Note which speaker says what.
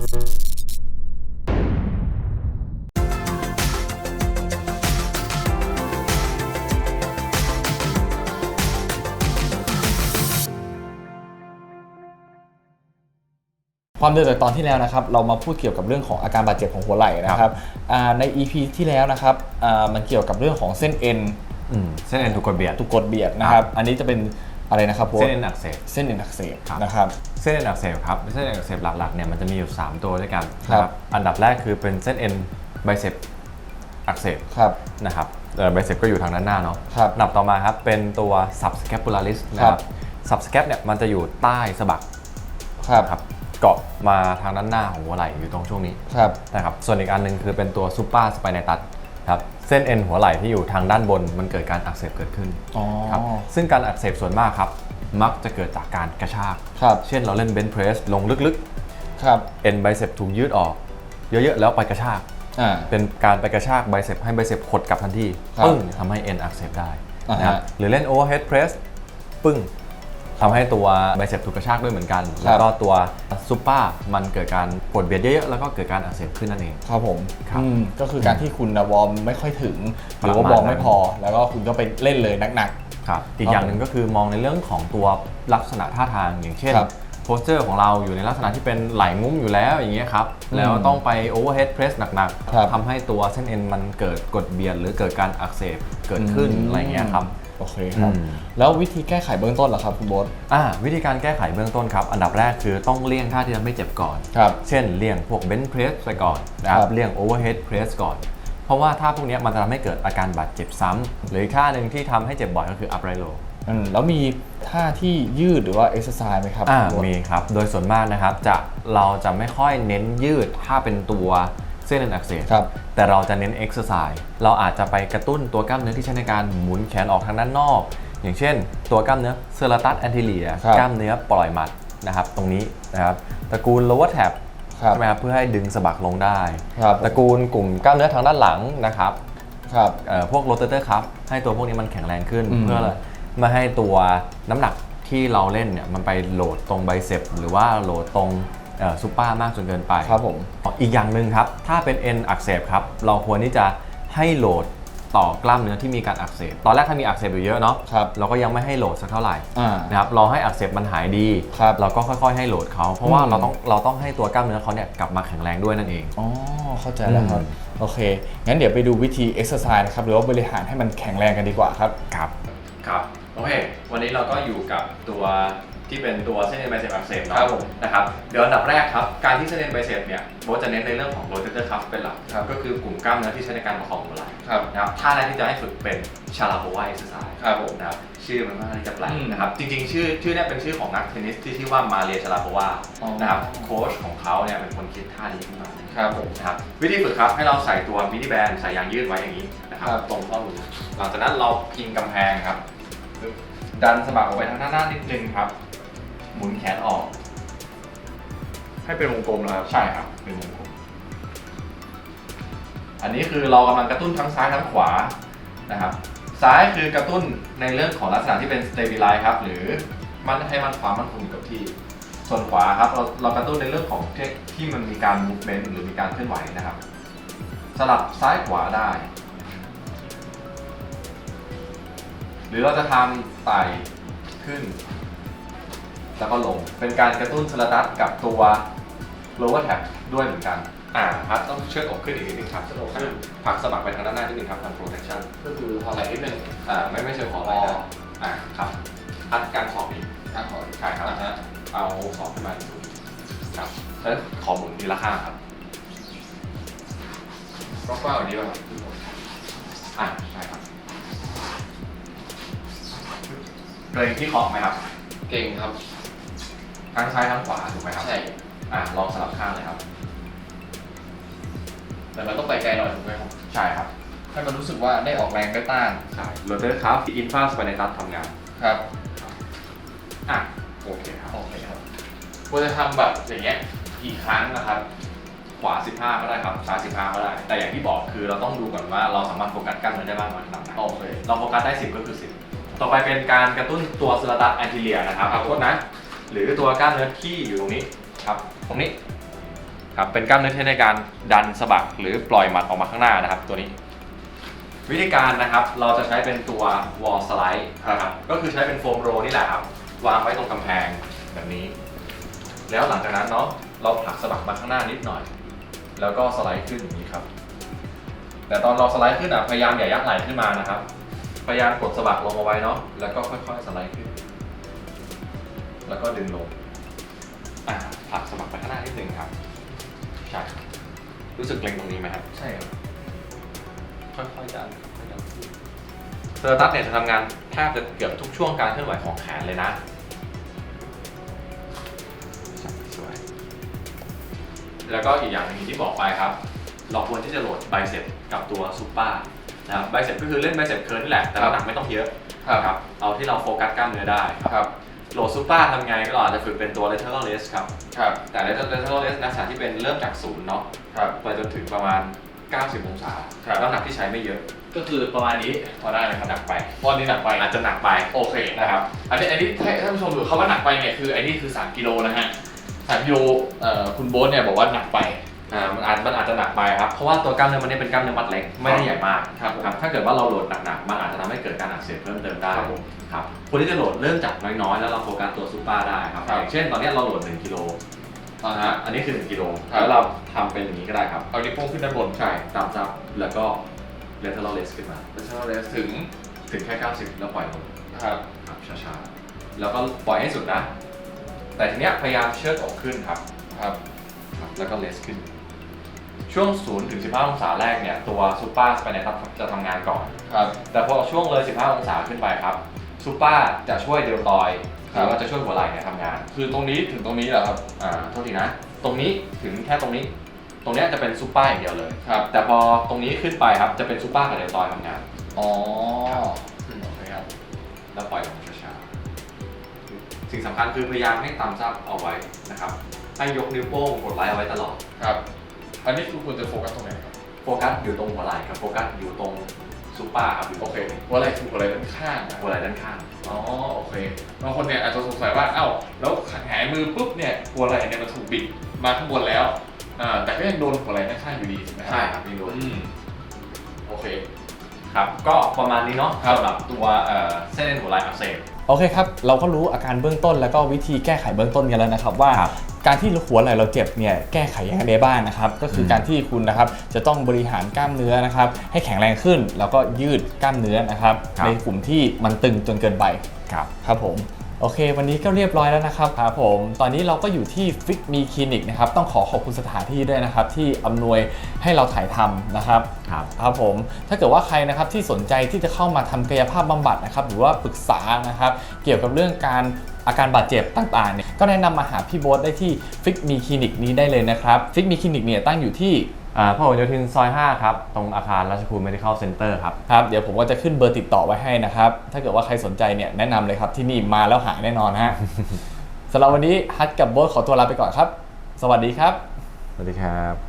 Speaker 1: ความเดิมจากตอนที่แล้วนะครับเรามาพูดเกี่ยวกับเรื่องของอาการบาดเจ็บของหัวไหล่นะครับใน EP ที่แล้วนะครับมันเกี่ยวกับเรื่องของเส้นเอ็น
Speaker 2: เส้นเอ็นถูกกดเบียด
Speaker 1: นะครับอันนี้จะเป็นอะไรนะครับ
Speaker 2: เส้นเอ็นอักเสบ
Speaker 1: นะครับ
Speaker 2: เส้นเอ็นอักเสบครับเส้นเอ็นอักเสบหลักๆเนี่ยมันจะมีอยู่3ตัวด้วยกันนะครับอันดับแรกคือเป็นเส้นเอ็นไบเซปอักเสบนะครับไบเซปก็อยู่ทางด้านหน้าเนาะอันดับต่อมาครับเป็นตัว subscapularis นะครับ subscap เนี่ยมันจะอยู่ใต้สะบักครับเกาะมาทางด้านหน้าของหัวไหล่อยู่ตรงช่วงนี้นะครับส่วนอีกอันนึงคือเป็นตัว supraspinatus ครับเส้นเอ็นหัวไหล่ที่อยู่ทางด้านบนมันเกิดการอักเสบเกิดขึ้นครับซึ่งการอักเสบส่วนมากครับมักจะเกิดจากการกระชากเช่นเราเล่นเบนช์เพรสลงลึกๆเอ็นไบเซปถูกยืดออกเยอะๆแล้วไปกระชากเป็นการไปกระชากไบเซปให้ไบเซปหดกลับทันทีปึ้งทำให้เอ็นอักเสบได้นะครับหรือเล่นโอเวอร์เฮดเพรสปึ้งทำให้ตัวไบเซปถูกกระชากด้วยเหมือนกันแล้วก็ตัวซุปเปอร์มันเกิดการปวดเบียดเยอะๆแล้วก็เกิดการอักเสบขึ้นนั่นเอง
Speaker 1: ครับผมก็คือการที่คุณวอร์มไม่ค่อยถึงหรือว่าวอร์มไม่พอแล้วก็คุณก็ไปเล่นเลยหนัก
Speaker 2: ๆครับอีกอย่างหนึ่งก็คือมองในเรื่องของตัวลักษณะท่าทางอย่างเช่นโพสเจอร์ของเราอยู่ในลักษณะที่เป็นไหล่งุ้มอยู่แล้วอย่างเงี้ยครับแล้วต้องไปโอเวอร์เฮดเพรสหนักๆทำให้ตัวเส้นเอ็นมันเกิดกดเบียดหรือเกิดการอักเสบเกิดขึ้นอะไรเงี้ยครับ
Speaker 1: โอเคครับแล้ววิธีแก้ไขเบื้องต้นล่ะครับคุณโบ๊ท
Speaker 2: วิธีการแก้ไขเบื้องต้นครับอันดับแรกคือต้องเลี่ยงท่าที่ทำให้เจ็บก่อนเช่นเลี่ยงพวกเบนช์เพรสไปก่อนนะครับเลี่ยงโอเวอร์เฮดเพรสก่อนเพราะว่าท่าพวกนี้มันจะทำให้เกิดอาการบาดเจ็บซ้ำหรืออีกท่าหนึ่งที่ทำให้เจ็บบ่อยก็คืออัพไรโล
Speaker 1: แล้วมีท่าที่ยืดหรือว่าเอ็กซ์ไซส์ไหมครับ
Speaker 2: มีครับโดยส่วนมากนะครับเราจะไม่ค่อยเน้นยืดถ้าเป็นตัวเส้นเอ็นอักเสบแต่เราจะเน้นเอ็กซ์ไซส์เราอาจจะไปกระตุ้นตัวกล้ามเนื้อที่ใช้ในการหมุนแขนออกทางด้านนอกอย่างเช่นตัวกล้ามเนื้อเซอราตัสแอนติเลียกล้ามเนื้อปล่อยหมัดนะครับตรงนี้นะครับตระกูล lower tab ใช่ไหมครับเพื่อให้ดึงสะบักลงได้ตระกูลกลุ่มกล้ามเนื้อทางด้านหลังนะครับพวก rotator cuff ให้ตัวพวกนี้มันแข็งแรงขึ้นเพื่อไม่ให้ตัวน้ำหนักที่เราเล่นเนี่ยมันไปโหลดตรงไบเซปหรือว่าโหลดตรงซูเปอร์มากจนเกินไป
Speaker 1: ครับผม
Speaker 2: อีกอย่างหนึ่งครับถ้าเป็นเอ็นอักเสบครับเราควรที่จะให้โหลดต่อกล้ามเนื้อที่มีการอักเสบตอนแรกถ้ามีอักเสบอยู่เยอะเนาะเราก็ยังไม่ให้โหลดสักเท่าไหร่นะครับรอให้อักเสบมันหายดีเราก็ค่อยๆให้โหลดเขาเพราะว่าเราต้องให้ตัวกล้ามเนื้อเขาเนี่ยกลับมาแข็งแรงด้วยนั่นเอง
Speaker 1: อ๋อเข้าใจแล้วครับโอเคงั้นเดี๋ยวไปดูวิธีเอ็กซ์ไซส์นะครับหรือว่าบริหารให้มันแข็งแรงกันดีกว่าครับ
Speaker 2: ครับโอเควันนี้เราก็อยู่กับตัวที่เป็นตัวเส้นเอ็นไบเซปอักเสบเนาะนะครับเดี๋ยวอันดับแรกครับการที่เส้นเอ็นไบเซปเนี่ยโบจะเน้นในเรื่องของ rotator cuff เป็นหลักก็คือกลุ่มกล้ามเนื้อที่ใช้ในการประคองหัวไหล่นะครับท่าแรกที่จะให้ฝึกเป็นชาลาโพวาเอ็กซ์ไซส์นะครับชื่อมันค่อนข้างจะแปลกนะครับจริงๆชื่อเนี่ยเป็นชื่อของนักเทนนิสที่ชื่อว่ามาเรียชาลาโพวานะครับโค้ชของเขาเนี่ยเป็นคนคิดท่านี้ขึ้นมานะครับวิธีฝึกครับให้เราใส่ตัวมินิแบนใส่ยางยืดไว้อย่างนี้นะครับตรงข้อมือหลังจากนั้นเราพิงกำแพงครับดันสะบักออกไปทางด้านหน้านิดนึงครับหมุนแขนออก
Speaker 1: ให้เป็นวงกลมนะครับ
Speaker 2: ใช่ครับเป็นวงกลมอันนี้คือเรากำลังกระตุ้นทั้งซ้ายทั้งขวานะครับซ้ายคือกระตุ้นในเรื่องของลักษณะที่เป็น stabilize ครับหรือมันให้มันความมั่นคงอยู่กับที่ส่วนขวาครับเรากระตุ้นในเรื่องของที่มันมีการ movement หรือมีการเคลื่อนไหวนะครับสลับซ้ายขวาได้หรือเราจะทำไต่ขึ้นแล้วก็ลงเป็นการกระตุ้นเซอราตัสกับตัว lower tab ด้วยเหมือนกันครับต้องเชือดอกขึ้นอีกนิดนึงครับเชือดอกขึ้นผลักสะบักไปทางด้านหน้านิดนึงครับทำ protection
Speaker 1: ก็คือพอไหล่นิดนึง
Speaker 2: ไม่เชิงขอไหล่ครับอัดการสอบอีกใช่ครับเอาสอบขึ้นมาครับแล้วขอหมุนทีละข้างครับ
Speaker 1: ก็กว้างกว่านี้ป่ะ
Speaker 2: ใช่ครับเกรงที่คอไหมครับ
Speaker 1: เก่งครับ
Speaker 2: ทั้งซ้ายทั้งขวาถูกไหมครับ
Speaker 1: ใช่
Speaker 2: ลองสลับข้างเลยครับ
Speaker 1: แต่มันต้องไปไกลหน่อยถูกไหมครับ
Speaker 2: ใช่ครับ
Speaker 1: ให้มันรู้สึกว่าได้ออกแรงได้ต้าน
Speaker 2: ใช่ rotator cuff infraspinatus ทำงาน
Speaker 1: ครับ
Speaker 2: โอเคครับ
Speaker 1: ควรจะทำแบบอย่างเงี้ยกี่ครั้งนะครับ
Speaker 2: ขวา15ก็ได้ครับซ้าย15ก็ได้แต่อย่างที่บอกคือเราต้องดูก่อนว่าเราสามารถโฟกัสกล้ามเนื้อได้มากน้อยขนาดไหนเราโฟกัสได้10ก็คือ10ต่อไปเป็นการกระตุ้นตัวเซอราตัสแอนติเลียนะครับขอโทษนะหรือตัวกล้ามเนื้อที่อยู่ตรงนี้ครับตรงนี้ครับเป็นกล้ามเนื้อที่ใช้ในการดันสะบักหรือปล่อยหมัดออกมาข้างหน้านะครับตัวนี้วิธีการนะครับเราจะใช้เป็นตัว wall slide นะครับก็คือใช้เป็นโฟมโรลนี่แหละครับวางไว้ตรงกำแพงแบบนี้แล้วหลังจากนั้นเนาะเราผลักสะบักมาข้างหน้านิดหน่อยแล้วก็สไลด์ขึ้นอย่างนี้ครับแต่ตอนเราสไลด์ขึ้นพยายามอย่ายักไหล่ขึ้นมานะครับพยายามกดสะบักลงเอาไว้เนาะแล้วก็ค่อยๆสไลด์ขึ้นแล้วก็ดึงลงผลักสะบักไปข้างหน้านิดนึงครับใช่รู้สึกเกร็งตรงนี้ไหมครับใช่ครับค่อยๆดันเซอร์ตัสเนี่ยจะทำงานแทบจะเกือบทุกช่วงการเคลื่อนไหวของแขนเลยนะสวยแล้วก็อีกอย่างหนึงที่บอกไปครับเราควรที่จะโหลดไบเซปกับตัวซูเปอร์นะครับไบเซปก็คือเล่นไบเซปเคิร์ลนี่แหละแต่น้ำหนักไม่ต้องเยอะครับเอาที่เราโฟกัสกล้ามเนื้อได้ครับโหลดซูเปอร์ทำไงก็อาจจะฝึกเป็นตัว lateral raise ครับแต่ lateral raise ลักษณะที่เป็นเริ่มจากศูนย์เนาะไปจนถึงประมาณ90 องศาน้ำหนักที่ใช้ไม่เยอะก็คือประมาณนี้พอได้ไหมครับหนักไปพอนี้หนักไปอาจจะหนักไปโอเคนะครับอันนี้ให้ท่านผู้ชมดูเขาว่าหนักไปเนี่ยคืออันนี้คือ3 กิโลนะฮะ3 กิโลคุณโบ๊ทเนี่ยบอกว่าหนักไปมันอาจจะหนักไปครับเพราะว่าตัวกล้ามเนื้อมันนี่เป็นกล้ามเนื้อมัดเล็กไม่ได้ใหญ่มากครับถ้าเกิดว่าเราโหลดหนักๆมันอาจจะทำให้เกิดการอักเสบเพิ่มเติมได้ครับคนที่จะโหลดเริ่มจากน้อยๆแล้วเราโฟกัสตัวซูเปอร์ได้ครับอย่างเช่นตอนนี้เราโหลด1 กิโลอันนี้คือ1 กิโลแล้วเราทำเป็นอย่างนี้ก็ได้ครับเอานิ้วโป้งขึ้นด้านบนใช่ตามซับแล้วก็lateral raise ขึ้นมา lateral raise ถึงแค่90แล้วปล่อยลงครับช้าๆแล้วก็ปล่อยให้สุดนะแต่ทีเนี้ยพยายามเชิดอกขึ้นครับแล้วก็ raise ขึ้นช่วง0 ถึง 15 องศาแรกเนี่ยตัวซูเปอร์สไปเนี่ยจะทำงานก่อนครับแต่พอช่วงเลย15 องศาขึ้นไปครับซูเปอร์จะช่วยเดลตอยหรือว่าจะช่วยหัวไหล่เนี่ยทำงานคือตรงนี้ถึงตรงนี้เหรอครับโทษทีนะตรงนี้ถึงแค่ตรงนี้ตรงนี้จะเป็นซูเปอร์อย่างเดียวเลยครับแต่พอตรงนี้ขึ้นไปครับจะเป็นซูเปอร์กับเดลตอยทำงานโอเคครับแล้วปล่อยลงช้าๆสิ่งสำคัญคือพยายามให้ตามซับเอาไว้นะครับให้ยกนิ้วโป้งกดไลค์เอาไว้ตลอดครับอันนี้คือควรจะโฟกัสตรงไหนครับโฟกัสอยู่ตรงหัวไหล่ครับโฟกัสอยู่ตรงซูเปอร์ครับโอเคหัวไหล่ถูกหัวไหล่ด้านข้างหัวไหล่ด้านข้างอ๋อโอเคบางคนเนี่ยอาจจะสงสัยว่าเอ้าแล้วหงายมือปุ๊บเนี่ยหัวไหล่เนี่ยมันถูกบิดมาข้างบนแล้วแต่ก็ยังโดนหัวไหล่ด้านข้างอยู่ดีใช่ไหมใช่ครับยังโดนโอเคครับก็ประมาณนี้เนาะสำหรับตัวเส้นเอ็นหัวไหล่อักเสบ
Speaker 1: โอเคครับเราก็รู้อาการเบื้องต้นแล้วก็วิธีแก้ไขเบื้องต้นกันแล้วนะครับว่าการที่หัวไหล่เราเจ็บเนี่ยแก้ไขยังไงได้บ้างนะครับก็คือการที่คุณนะครับจะต้องบริหารกล้ามเนื้อนะครับให้แข็งแรงขึ้นแล้วก็ยืดกล้ามเนื้อนะครับในกลุ่มที่มันตึงจนเกินไปครับผมโอเควันนี้ก็เรียบร้อยแล้วนะครับครับผมตอนนี้เราก็อยู่ที่ Fit Me Clinic นะครับต้องขอบคุณสถานที่ด้วยนะครับที่อำนวยให้เราถ่ายทำนะครับครับผมถ้าเกิดว่าใครนะครับที่สนใจที่จะเข้ามาทำกายภาพบำบัดนะครับหรือว่าปรึกษานะครับเกี่ยวกับเรื่องอาการบาดเจ็บต่างๆเนี่ยก็แนะนำมาหาพี่โบ๊ทได้ที่ Fit Me Clinic นี้ได้เลยนะครับ Fit Me Clinic เนี่ยตั้งอยู่ที่
Speaker 2: พหลโยธินซอย5ครับตรงอาคารราชภูมิ Medical Center
Speaker 1: ครับเดี๋ยวผมก็จะขึ้นเบอร์ติดต่อไว้ให้นะครับถ้าเกิดว่าใครสนใจเนี่ยแนะนำเลยครับที่นี่มาแล้วหายแน่นอนฮะ สำหรับวันนี้ฮัทกับโบ๊ทขอตัวลาไปก่อนครับสวัสดีครับ
Speaker 2: สวัสดีครับ